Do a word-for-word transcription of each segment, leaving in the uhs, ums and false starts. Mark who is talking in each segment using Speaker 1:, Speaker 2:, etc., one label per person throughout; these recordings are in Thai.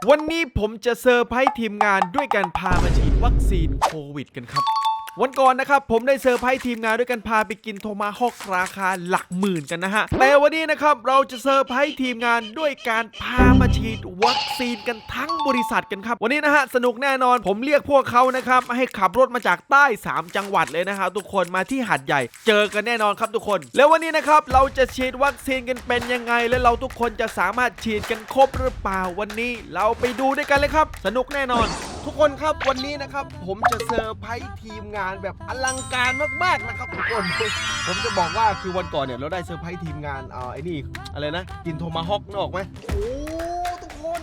Speaker 1: วันนี้ผมจะเซอร์ไพรส์ทีมงานด้วยการพามาฉีดวัคซีนโควิดกันครับวันก่อนนะครับผมได้เซอร์ไพรส์ทีมงานด้วยการพาไปกินโทมาฮอกราคาหลักหมื่นกันนะฮะแต่วันนี้นะครับเราจะเซอร์ไพรส์ทีมงานด้วยการพามาฉีดวัคซีนกันทั้งบริษัทกันครับวันนี้นะฮะสนุกแน่นอนผมเรียกพวกเขานะครับให้ขับรถมาจากใต้สามจังหวัดเลยนะครับทุกคนมาที่หาดใหญ่เจอกันแน่นอนครับทุกคนแล้ววันนี้นะครับเราจะฉีดวัคซีนกันเป็นยังไงและเราทุกคนจะสามารถฉีดกันครบหรือเปล่าวันนี้เราไปดูด้วยกันเลยครับสนุกแน่นอนทุกคนครับวันนี้นะครับผมจะเซอร์ไพรส์ทีมงานแบบอลังการมากๆนะครับทุกคนผมจะบอกว่าคือวันก่อนเนี่ยเราได้เซอร์ไพรส์ทีมงานเอ่อไอ้นี่อะไรนะกินโทมาฮอกนึกออกไหมโอ้ทุกคน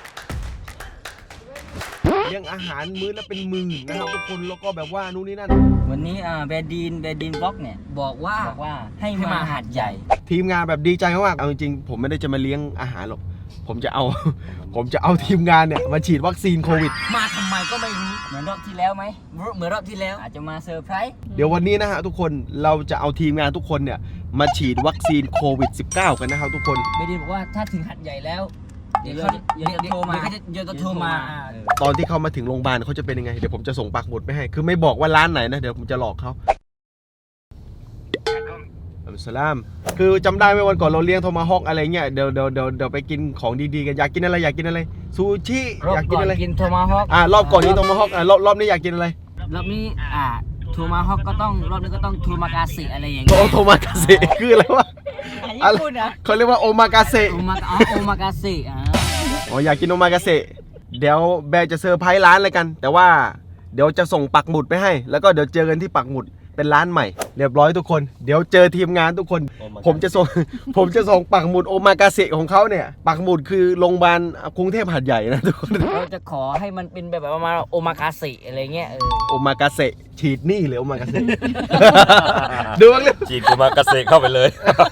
Speaker 1: เลี้ยงอาหารมื้อละเป็นหมื่นนะครับทุกคนแล้วก็แบบว่านู่นนี่นั่น
Speaker 2: วันนี้อ่าแบดีนแบดีนบล็อกเนี่ยบอกว่าบอกว่าให้มาหาดใหญ่
Speaker 1: ทีมงานแบบดีใจมากๆเอาจริงๆผมไม่ได้จะมาเลี้ยงอาหารหรอกผมจะเอา ผมจะเอาทีมงานเนี่ยมาฉีดวัคซีนโควิด
Speaker 2: มาทำไมก็ไม่รู้เหมือนรอบที่แล้วไหมเหมือนรอบที่แล้วอาจจะมาเซอร์ไพรส์
Speaker 1: เดี๋ยววันนี้นะฮะทุกคนเราจะเอาทีมงานทุกคนเนี่ยมาฉีดวัคซีนโควิด สิบเก้า กันนะครับทุกคน
Speaker 2: แบดีนบอกว่าถ้าถึงหาดใหญ่แล้วเดี๋ยวเขาเดี๋ยวโทรมาเดี๋ยวจะโทรมา
Speaker 1: ตอนที่เขามาถึงโรงพยาบาลเขาจะเป็นยังไงเดี๋ยวผมจะส่งปักหมุดไปให้คือไม่บอกว่าร้านไหนนะเดี๋ยวผมจะหลอกเขาสลามคือจำได้ไหมวันก่อนเราเลี้ยงโทมาฮอกอะไรเงี้ยเดี๋ยวเดี๋ยวเดี๋ยวเดี๋ยวไปกินของดีๆกันอยากกินอะไรอยากกินอะไรซูชิอยากกินอะไร
Speaker 2: กินโทมาฮอก
Speaker 1: อ่ารอบก่อนนี้โทมาฮอกอ่ารอบรอบนี้อยากกินอะไร
Speaker 2: รอบนี้อ่าโทมาฮอกก็ต้องรอบนี้ก็ต้องโทมากาเซอะไรอย่างเงี้
Speaker 1: ยโทมากาเซคืออะไรวะญี่ปุ่นอ่ะเขาเรียกว่าโอมากาเซ
Speaker 2: โอมาอ๋อโอมากาเซอ่า
Speaker 1: อ๋ออยากกินโอมากาเซเดี๋ยวแบร์จะเซอร์ไพรส์ร้านเลยกันแต่ว่าเดี๋ยวจะส่งปักหมุดไปให้แล้วก็เดี๋ยวเจอกันที่ปักหมุดเป็นร้านใหม่เรียบร้อยทุกคนเดี๋ยวเจอทีมงานทุกคนผมจะส่งผมจะส่งปักหมุดโอมากาเซของเขาเนี่ยปักหมุดคือโรงพยาบาลกรุงเทพหาดใหญ่นะทุกคน
Speaker 2: เราจะขอให้มันเป็นแบบประมาณโอมากาเซอะไรเงี้ยเออ
Speaker 1: โอมากาเซฉีดนี่หรือโอมากาเซดูบ้างเลย
Speaker 3: ฉีดโอมากาเซเข้าไปเลย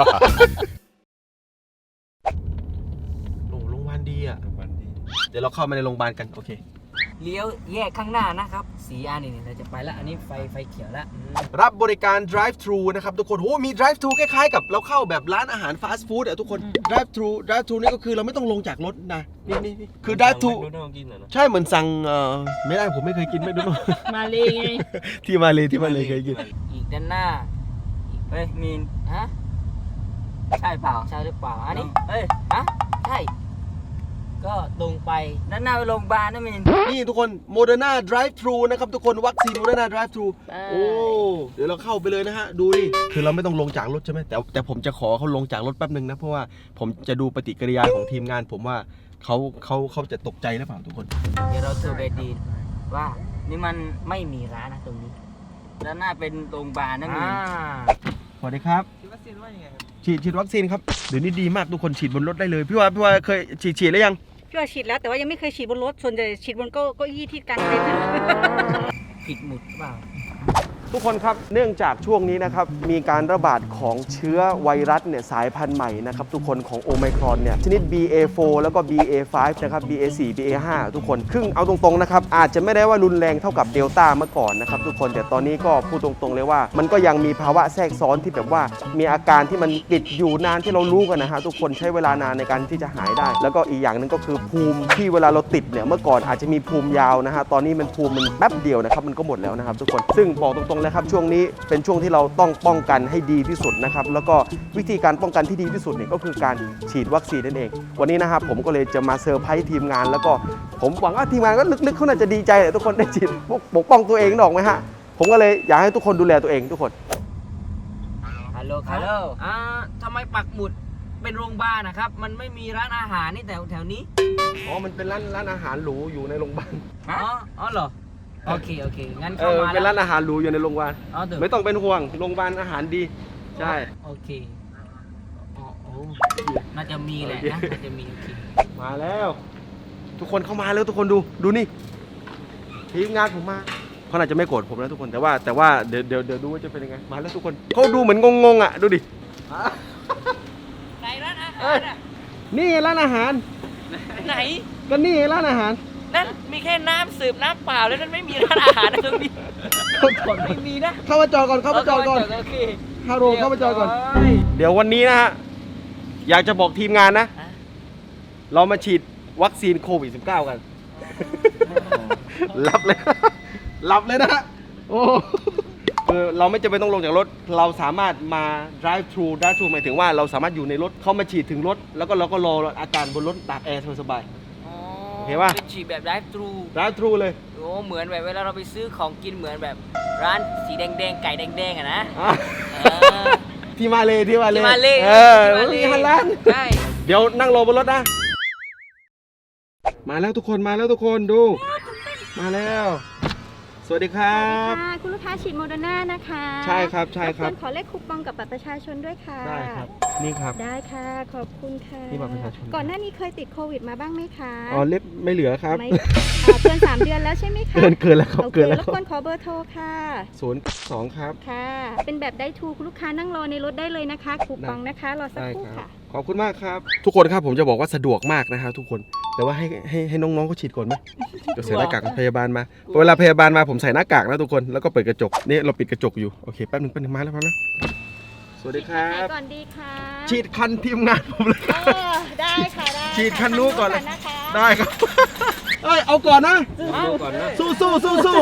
Speaker 1: โอ้โรงพยาบาลดีอ่ะเดี๋ยวเราเข้ามาในโรงพยาบาลกันโอเค
Speaker 2: เลี้ยวแยกข้างหน้านะครับสีอันนี้เราจะไปแล้วอันนี้ไฟไฟเขียวแล้ว
Speaker 1: รับบริการ drive thru นะครับทุกคนโอ้มี drive thru คล้ายๆกับเราเข้าแบบร้านอาหารฟาสต์ฟู้ดอ่ะทุกคน drive thru drive thru นี่ก็คือเราไม่ต้องลงจากรถนะนี่นี่คือ drive thru ใช่เหมือนสั่งเอ่อไม่ได้ผมไม่เคยกินไม่รู้
Speaker 2: มาเลยไง
Speaker 1: ที่มาเลยที่มาเลยเคยกิน
Speaker 2: อีกด้านหน้าเฮ้ยมีนฮะใช่เปล่าใช่หรือเปล่าอันนี้เฮ้ยฮะใช่ก็ตรงไปด้านหน้าไปโรงพยาบาลนะมิน
Speaker 1: นี่ทุกคนโมเดอร์นา drive thru นะครับทุกคนวัคซีนโมเดอร์นา drive thru โอ้เดี๋ยวเราเข้าไปเลยนะฮะดูดิคือเราไม่ต้องลงจากรถใช่ไหมแต่แต่ผมจะขอเขาลงจากรถแป๊บนึงนะเพราะว่าผมจะดูปฏิกิริยาของทีมงานผมว่าเขาเขาเขาจะตกใจหรือเปล่าทุกคน
Speaker 2: เดี๋ยวเราโทรไปดีว่านี่มันไม่มีร้านนะตรงนี้ด้านหน้าเป็นโรงพยาบาลนะมิน
Speaker 1: สวัสดีครับฉีดวัคซีนว่ายังไงครับฉีดฉีดวัคซีนครับเดี๋ยวนี้ดีมากทุกคนฉีดบนรถได้เลยพี่ว่าพี่ว่าเคยฉีดฉีดแล้วยัง
Speaker 4: พี่ว่าฉีดแล้วแต่ว่ายังไม่เคยฉีดบนรถส่วนใหญ่ฉีดบนเก้าเก้าอี้ที่กลางเต็นท์
Speaker 2: ผิดหมุดเปล่า
Speaker 1: ทุกคนครับเนื่องจากช่วงนี้นะครับมีการระบาดของเชื้อไวรัสเนี่ยสายพันธุ์ใหม่นะครับทุกคนของโอไมครอนเนี่ยชนิด บี เอ โฟร์ แล้วก็ บี เอ ไฟว์ นะครับ บี เอ โฟร์ บี เอ ไฟว์ ทุกคนครึ่งเอาตรงๆนะครับอาจจะไม่ได้ว่ารุนแรงเท่ากับเดลต้าเมื่อก่อนนะครับทุกคนแต่ตอนนี้ก็พูดตรงๆเลยว่ามันก็ยังมีภาวะแทรกซ้อนที่แบบว่ามีอาการที่มันติดอยู่นานที่เรารู้กันนะฮะทุกคนใช้เวลานานในการที่จะหายได้แล้วก็อีกอย่างนึงก็คือภูมิที่เวลาเราติดเนี่ยเมื่อก่อนอาจจะมีภูมิยาวนะฮะตอนนี้มันภูมิมันแป๊บเดียวนะครับมันก็หมดแล้วนะครับทุกคนซึ่งบอกตรงๆเลยครับช่วงนี้เป็นช่วงที่เราต้องป้องกันให้ดีที่สุดนะครับแล้วก็วิธีการป้องกันที่ดีที่สุดเนี่ยก็คือการฉีดวัคซีนนั่นเองวันนี้นะครับผมก็เลยจะมาเซอร์ไพรส์ทีมงานแล้วก็ผมหวังว่าทีมงานก็ลึกๆเขาน่าจะดีใจแหละทุกคนได้ฉีดปกป้องตัวเองหรอกไหมฮะผมก็เลยอยากให้ทุกคนดูแลตัวเองทุกคน
Speaker 2: ฮัลโหลฮัลโหลอ่าทำไมปักหมุดเป็นโรงพยาบาลนะครับมันไม่มีร้านอาหารนี่แถวแถวนี้
Speaker 1: อ๋อมันเป็นร้านร้านอาหารหรูอยู่ในโรงพยาบาล
Speaker 2: อ๋ออ๋อเหรอโอเคโอเคงั้นเข้ามา
Speaker 1: เป็นร้านอาหารหรูอยู่ในโรงพยาบาลไม่ต้องเป็นห่วงโรงพยาบาลอาหารดีใช่
Speaker 2: โอเคอ๋อโอ้น่าจะมีแหละนะน่าจะมีโอเค
Speaker 1: มาแล้วทุกคนเข้ามาแล้วทุกคนดูดูนี่ทีมงานผมมาเขาน่าจะไม่โกรธผมนะทุกคนแต่ว่าแต่ว่าเดี๋ยวเดี๋ยวเดี๋ยวดูว่าจะเป็นยังไงมาแล้วทุกคนเขาดูเหมือนงงๆอ่ะดูดิ
Speaker 4: ไหนร้านอาหารอ่ะ
Speaker 1: นี่ร้านอาหาร
Speaker 4: ไหน
Speaker 1: ก็นี่ร้านอาหาร
Speaker 4: นั่นมีแค่น้ำสืบน้ำเปล่าแล้วนั่นไม่มีร้านอาหารนะตรงนี้ไม่มีนะ
Speaker 1: เข้ามาจอดก่อนเข้ามาจอดก่อนฮัลโหลเข้ามาจอดก่อนเดี๋ยววันนี้นะฮะอยากจะบอกทีมงานนะเรามาฉีดวัคซีนโควิด สิบเก้า กัน หลับเลย หลับเลยนะฮะโอ้คือเราไม่จำเป็นต้องลงจากรถ เราสามารถมา drive thru drive thru หมายถึงว่าเราสามารถอยู่ในรถเขามาฉีดถึงรถ แล้วก็เราก็รออาการบนรถตากแอร์สบาย
Speaker 4: อ๋อ
Speaker 1: เห็นปะ
Speaker 4: เป็นฉีดแบบ drive thru
Speaker 1: ๆ drive thru เลย
Speaker 4: โอ้เหมือนแบบเวลาเราไปซื้อของกินเหมือนแบบร้านสีแดงๆไก่แดงๆอะนะ
Speaker 1: อ่ะ
Speaker 4: เออ
Speaker 1: ที่มาเลยที่มาเลย
Speaker 4: ที่มาเลย
Speaker 1: เออ
Speaker 4: ที่มาเลย
Speaker 1: มีฮันลัน
Speaker 4: ใช่
Speaker 1: เดี๋ยวนั่งรอบนรถนะ มาแล้วทุกคนมาแล้วทุกคนดู มาแล้ว สวัสดีครับ
Speaker 3: ค่ะคุณลูกค้าฉีดโมเดอร์นานะคะ
Speaker 1: ใช่ครับใช่ครับ
Speaker 3: บกวนขอเลขคูปองกับบัตรประชาชนด้วยค่ะ
Speaker 1: ได้ครับ นี่ครับ
Speaker 3: ได้ค่ะขอบคุณค่ะ
Speaker 1: นี่บัตรประชาชน
Speaker 3: ก่อนหน้านี้เคยติดโควิดมาบ้างไหมคะ
Speaker 1: อ๋อเล็บไม่เหลือครับ
Speaker 3: ไม่อ่าเกินสามเดือนแล้วใช่ไหมคะ
Speaker 1: เกินเกินแล้วครับ
Speaker 3: โอเค
Speaker 1: เกินแล้ว
Speaker 3: รบกวนขอเบอร์โทรค่ะ
Speaker 1: ศูนย์สองครับ
Speaker 3: ค่ะ เป็นแบบได้ทูคุณลูกค้านั่งรอในรถได้เลยนะคะคูปองนะคะรอสัก
Speaker 1: ได้
Speaker 3: ครู่
Speaker 1: ครับ
Speaker 3: ค่ะ
Speaker 1: ขอบคุณมากครับ ทุกคนครับผมจะบอกว่าสะดวกมากนะครับทุกคน แต่ว่าให้ให้ให้น้องๆเขาฉีดก่อนไหมเดี๋ยวใส่หน้ากากพยาบาลมา เวลาพยาบาลมาผมใส่หน้ากากนะทุกคน แล้วก็เปิดกระจก นี่เราปิดกระจกอยู่ โอเคแป๊บหนึงแป๊บหนึงมาแล้วมาแล้วสวัสดีครั
Speaker 3: ไหน
Speaker 1: บ
Speaker 3: ก่อนดีคะ
Speaker 1: ฉีดคันทีมงานผมเลยค
Speaker 3: เอ
Speaker 1: รับ
Speaker 3: อได้ค่ะได้
Speaker 1: ฉีดคันนู้นก่อนเลย
Speaker 3: นะคะ
Speaker 1: ได้ครับ เอ้ยเอาก่อนนะ สู้สู้สู้สู้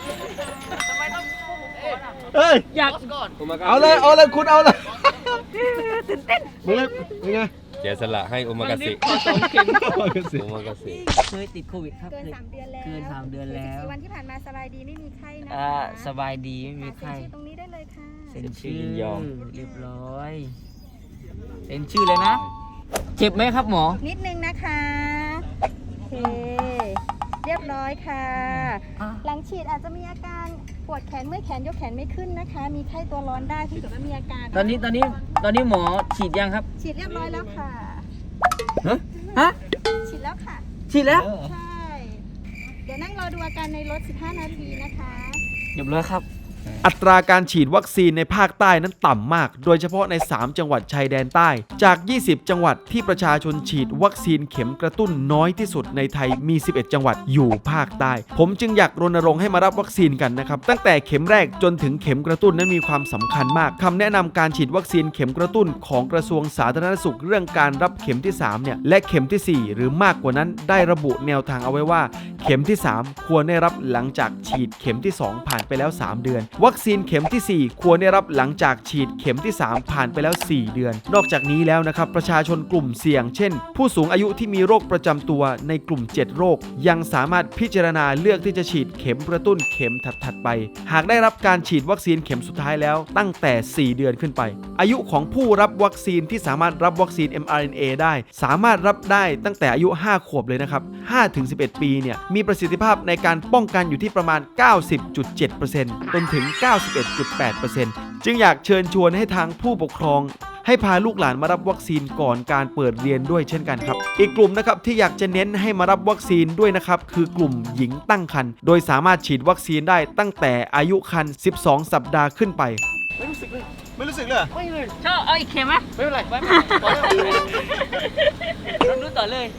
Speaker 1: เอ้ย
Speaker 4: อยากก่อน
Speaker 1: เอาเลยเอาเลยคุณเอาเลยตื่นเต้นมึงเลยเป็นไง
Speaker 5: เสียสละให้โอมากาเสะ
Speaker 4: ขอสองเข็ม
Speaker 5: โอมากาเสะ
Speaker 4: เคยติดโควิดครับ
Speaker 3: เกินสามเดือนแล้ว
Speaker 4: เกินสามเดือนแล้ว
Speaker 3: สิบสี่วันที่ผ่านมาสบายดีไม่มีไข้นะคะ
Speaker 4: อ่าสบายดีไม่มี
Speaker 3: ค่ะ
Speaker 4: ไข้
Speaker 3: เซ็นชื่อตรงนี้ได้เลยค่ะ
Speaker 4: เซ็นชื่อเรียบร้อยเซ็นชื่อเลยนะ เจ็บไหมครับหมอ
Speaker 3: นิดนึงนะคะ โอเค เรียบร้อยค่ะ
Speaker 4: อ่ะ
Speaker 3: หลังฉีดอาจจะมีอาการปวดแขนเมื่อยแขนยกแขนไม่ขึ้นนะคะ มีไข้ตัวร้อนได้ที่เกิดว่ามีอาการ
Speaker 4: ตอนนี้ตอนนี้ตอนนี้หมอฉีดยังครับ
Speaker 3: ฉีดเรียบร้อยแล้วค่ะ
Speaker 4: ฮะฮะ
Speaker 3: ฉีดแล้วค่ะ
Speaker 4: ฉีดแล้ว
Speaker 3: ใช่ เดี๋ยวนั่งรอดูอาการในรถ สิบห้า นาทีนะคะ
Speaker 4: เรียบร้อยครับ
Speaker 6: อัตราการฉีดวัคซีนในภาคใต้นั้นต่ำมาก โดยเฉพาะใน สาม จังหวัดชายแดนใต้ จาก ยี่สิบ จังหวัดที่ประชาชนฉีดวัคซีนเข็มกระตุ้นน้อยที่สุดในไทยมี สิบเอ็ด จังหวัดอยู่ภาคใต้ ผมจึงอยากรณรงค์ให้มารับวัคซีนกันนะครับ ตั้งแต่เข็มแรกจนถึงเข็มกระตุ้นนั้นมีความสำคัญมาก คำแนะนำการฉีดวัคซีนเข็มกระตุ้นของกระทรวงสาธารณสุขเรื่องการรับเข็มที่ สาม เนี่ย และเข็มที่ สี่ หรือมากกว่านั้นได้ระบุแนวทางเอาไว้ว่า เข็มที่ สาม ควรได้รับหลังจากฉีดเข็มที่ สอง ผ่านไปแล้ว สาม เดือน วัคซีนเข็มที่ สี่ ควรได้รับหลังจากฉีดเข็มที่ สาม ผ่านไปแล้ว สี่ เดือน นอกจากนี้แล้วนะครับประชาชนกลุ่มเสี่ยงเช่น ผู้สูงอายุที่มีโรคประจำตัวในกลุ่ม เจ็ด โรค ยังสามารถพิจารณาเลือกที่จะฉีดเข็มกระตุ้นเข็มถัดๆไป หากได้รับการฉีดวัคซีนเข็มสุดท้ายแล้วตั้งแต่ สี่ เดือนขึ้นไป อายุของผู้รับวัคซีนที่สามารถรับวัคซีน เอ็ม อาร์ เอ็น เอ ได้ สามารถรับได้ตั้งแต่อายุ ห้า ขวบเลยนะครับ ห้าถึงสิบเอ็ด ปีเนี่ยมีประสิทธิภาพในการป้องกันอยู่ที่ประมาณ เก้าสิบจุดเจ็ดเปอร์เซ็นต์ จนถึง เก้าสิบเอ็ดจุดแปดเปอร์เซ็นต์ จึงอยากเชิญชวนให้ทางผู้ปกครอง ให้พาลูกหลานมารับวัคซีนก่อนการเปิดเรียนด้วยเช่นกันครับ อีกกลุ่มนะครับที่อยากจะเน้นให้มารับวัคซีนด้วยนะครับคือกลุ่มหญิงตั้งครรภ์โดยสามารถฉีดวัคซีนได้ตั้งแต่อายุครรภ์สิบสอง สัปดาห์ขึ้นไป
Speaker 1: ไม่รู้สึกเลย ไม่รู้สึกเลยเหรอ
Speaker 4: ไม่เลยชอบเอาอีกเข็มไหม
Speaker 1: ไม่เป็นไร
Speaker 4: ไม่เราดูต่อเลย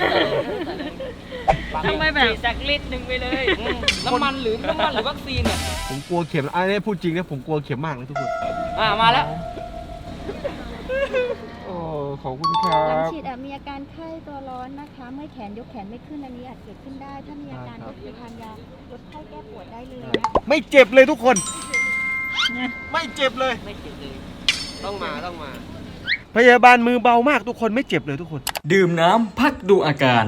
Speaker 4: ทำไมแบบจากลิตรหนึ่งไปเลยน้ำมันหรือน้ำมันหรือวัคซีนเนี่ย
Speaker 1: ผมกลัวเข็มอันนี้พูดจริงนะผมกลัวเข็มมากเลยทุกคน
Speaker 4: อ่ามาแล้ว
Speaker 1: โอ้ขอบคุณครั
Speaker 3: หลัง
Speaker 1: บ
Speaker 3: ฉีดอาจมีอาการไข้ตัวร้อนนะคะเมื่อยแขนยกแขนไม่ขึ้นอันนี้อาจเกิดขึ้นได้ ถ้ามีอาการก็คือทานยาลดไข้แก้ปวดได้เลยนะคะ
Speaker 1: ไม่เจ็บเลยทุกคน ไม่เจ็บเลย
Speaker 4: ไม่เจ็บเลย
Speaker 1: ต้องมาต้องมา พยาบาลมือเบามากทุกคนไม่เจ็บเลยทุกคน
Speaker 7: ดื่มน้ำพักดูอาการ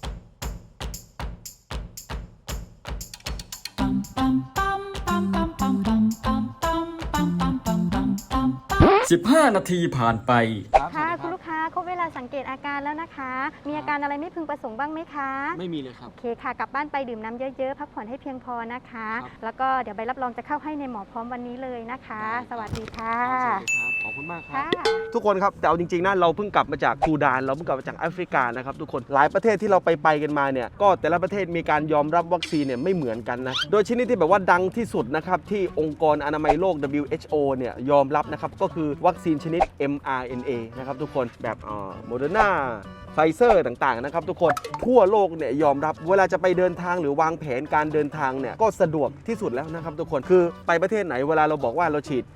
Speaker 7: สิบห้า นาทีผ่านไป
Speaker 3: ค่ะคุณลูกค้าครบเวลาสังเกตอาการแล้วนะคะ มีอาการอะไรไม่พึงประสงค์บ้างไหมคะ
Speaker 1: ไม่มีเลยครับ
Speaker 3: โอเคค่ะ กลับบ้านไปดื่มน้ำเยอะๆ พักผ่อนให้เพียงพอนะคะ
Speaker 1: ครับ
Speaker 3: แล้วก็เดี๋ยวใบรับรองจะเข้าให้ในหมอพร้อมวันนี้เลยนะคะ สวัสดีค่ะ
Speaker 1: ขอบคุณมากครั
Speaker 3: ค่ะ
Speaker 1: บ ทุกคนครับแต่เอาจริงๆนะเราเพิ่งกลับมาจากซูดานเราเพิ่งกลับมาจากแอฟริกานะครับทุกคนหลายประเทศที่เราไปไปกันมาเนี่ยก็แต่ละประเทศมีการยอมรับวัคซีนเนี่ยไม่เหมือนกันนะโดยชนิดที่แบบว่าดังที่สุดนะครับที่องค์กรอนามัยโลก ดับเบิลยู เอช โอ เนี่ยยอมรับนะครับก็คือวัคซีนชนิด เอ็ม อาร์ เอ็น เอ นะครับทุกคนแบบโมเดอร์นาไฟเซอร์ต่างๆนะครับทุกคนทั่วโลกเนี่ยยอมรับเวลาจะไปเดินทางหรือวางแผนการเดินทางเนี่ยก็สะดวกที่สุดแล้วนะครับทุกคนคือไปประเทศไหนเวลาเราบอกว่าเราฉีด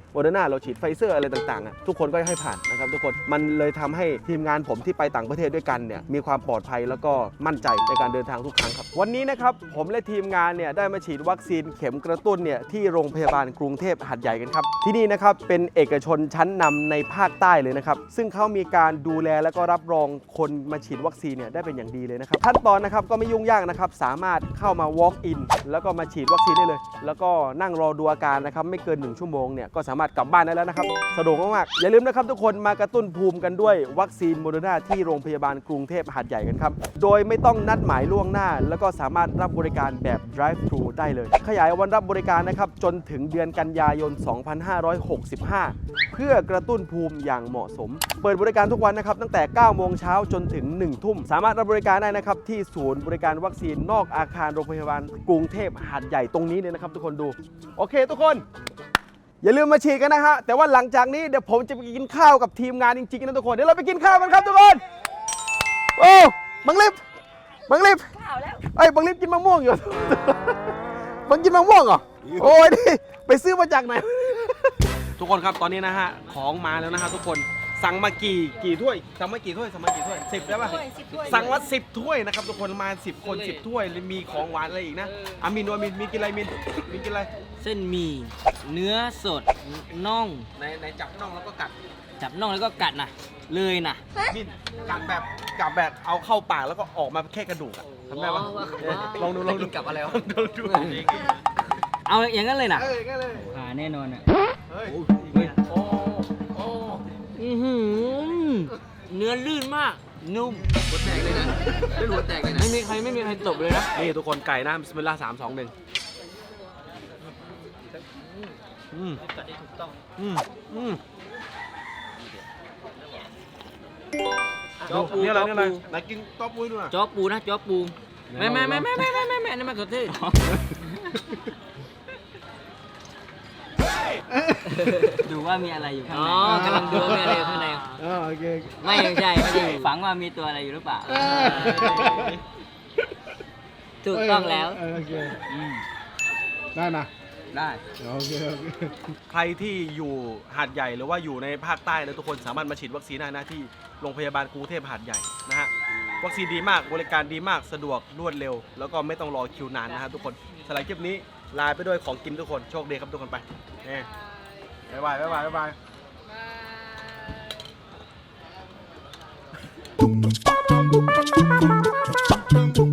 Speaker 1: โมเดอร์นาเราฉีดไฟเซอร์อะไรต่างๆอ่ะทุกคนก็ให้ผ่านนะครับทุกคนมันเลยทำให้ทีมงานผมที่ไปต่างประเทศด้วยกันเนี่ยมีความปลอดภัยแล้วก็มั่นใจในการเดินทางทุกครั้งครับวันนี้นะครับผมและทีมงานเนี่ยได้มาฉีดวัคซีนเข็มกระตุ้นเนี่ยที่โรงพยาบาลกรุงเทพหาดใหญ่กันครับที่นี่นะครับเป็นเอกชนชั้นนำในภาคใต้เลยนะครับซึ่งเขามีการดูแลและก็รับรองคนมาฉีดวัคซีนเนี่ยได้เป็นอย่างดีเลยนะครับขั้นตอนนะครับก็ไม่ยุ่งยากนะครับสามารถเข้ามา walk in แล้วก็มาฉีดวัคซีนได้เลยแล้วก็นั่งรอดูอาการนะครับไม่เกินหนึ่งชั่วโมงเนี่ยก็สามารถกลับบ้านได้แล้วนะครับสะดวกมากๆอย่าลืมนะครับทุกคนมากระตุ้นภูมิกันด้วยวัคซีนโมเดอร์นาที่โรงพยาบาลกรุงเทพหาดใหญ่กันครับโดยไม่ต้องนัดหมายล่วงหน้าแล้วก็สามารถรับบริการแบบ drive thru ได้เลยขยายวันรับบริการนะครับจนถึงเดือนกันยายน สองพันห้าร้อยหกสิบห้า เพื่อกระตุ้นภูมิอย่างเหมาะสมเปิดบริการทุกวันนะครับตั้งแต่ เก้าโมงเช้าจนถึง หนึ่งทุ่มสามารถรับบริการได้นะครับที่ศูนย์บริการวัคซีนนอกอาคารโรงพยาบาลกรุงเทพหาดใหญ่ตรงนี้เลยนะครับทุกคนดูโอเคทุกคนอย่าลืมมาฉีดกันนะฮะแต่ว่าหลังจากนี้เดี๋ยวผมจะไปกินข้าวกับทีมงานจริงๆนะทุกคนเดี๋ยวเราไปกินข้าวกันครับทุกคนโอ้บังลิฟบังลิฟไอ้ยบังลิฟกินมะม่วงอยู่ บังกินมะม่วงเหรอโอ้ยนี่ไปซื้อมาจากไหน ทุกคนครับตอนนี้นะฮะของมาแล้วนะฮะทุกคนสั่งมากี่กี่ถ้วยสั่งมากี่ถ้วยสั่งมากี่ถ้วยสิบได้ป่ะสั่งมาสิบถ้วยนะครับทุกคนมาสิบคนสิบถ้วยมีของหวานอะไรอีกนะอามินดูอามินมีกินอะไรมินมีกินอะไร
Speaker 2: เส้นหมี่เนื้อสดน่อง
Speaker 1: ในในจับน่องแล้วก็กัด
Speaker 2: จับน่องแล้วก็กัดนะเลยนะ
Speaker 1: มินกัดแบบกัดแบบเอาเข้าปากแล้วก็ออกมาแค่กระดูกอะทำได้ปะลองดูลองดูกับอะไรวะลองดู
Speaker 2: เอาอย่างนั้นเลยนะ
Speaker 1: เอ้ยงั้นเลย
Speaker 2: ผ่าแน่นอนอ่ะ
Speaker 1: เฮ้ย
Speaker 2: โอ้โอ้อื้อหือเนื้อลื่นมากนุ่ม
Speaker 1: หัวแตกเลยนะไม่หัวแตกเลยนะ
Speaker 2: ไม่มีใครไม่มีใครตบเลยนะ
Speaker 1: นี่ทุกคนไก่นะบิสมิลลาห์สามสองหนึ่งอืมอืมอืม
Speaker 2: จ๊อปู
Speaker 1: นี่อะไร
Speaker 2: จ๊อ
Speaker 1: นี่อะไร
Speaker 2: ปู
Speaker 1: ไหนกินต๊อบปุ้ยดูหน่อย
Speaker 2: จ๊อปูนะจ๊อปูไม่ไม่ไม่ไม่ไม่ไม่ไม่ไม่นี่มันขอโทษดูว่ามีอะไรอยู่ข้างในอ๋อกำลังดูว่ามีอะไรอยู่ข้างใน
Speaker 1: อ๋อโอเค
Speaker 2: ไม่ไม่ใช่ไม่ใช่ฝังว่ามีตัวอะไรอยู่หรือเปล่าถูกต้องแล้ว
Speaker 1: โอเค
Speaker 2: อืม
Speaker 1: ได้นะ
Speaker 2: ได้
Speaker 1: โอเคโอเคใครที่อยู่หาดใหญ่หรือว่าอยู่ในภาคใต้นะทุกคนสามารถมาฉีดวัคซีนได้นะที่โรงพยาบาลกรุงเทพหาดใหญ่นะฮะวัคซีนดีมากบริการดีมากสะดวกรวดเร็ว แล้วก็ไม่ต้องรอคิวนานนะฮะทุกคนสำหรับคลิปนี้ลาไปด้วยของกินทุกคนโชคดีครับทุกคนไปเอ้บ๊ายบายบ๊ายบายบ๊ายบาย
Speaker 8: Boom, boom, boom, boom, boom, boom, boom.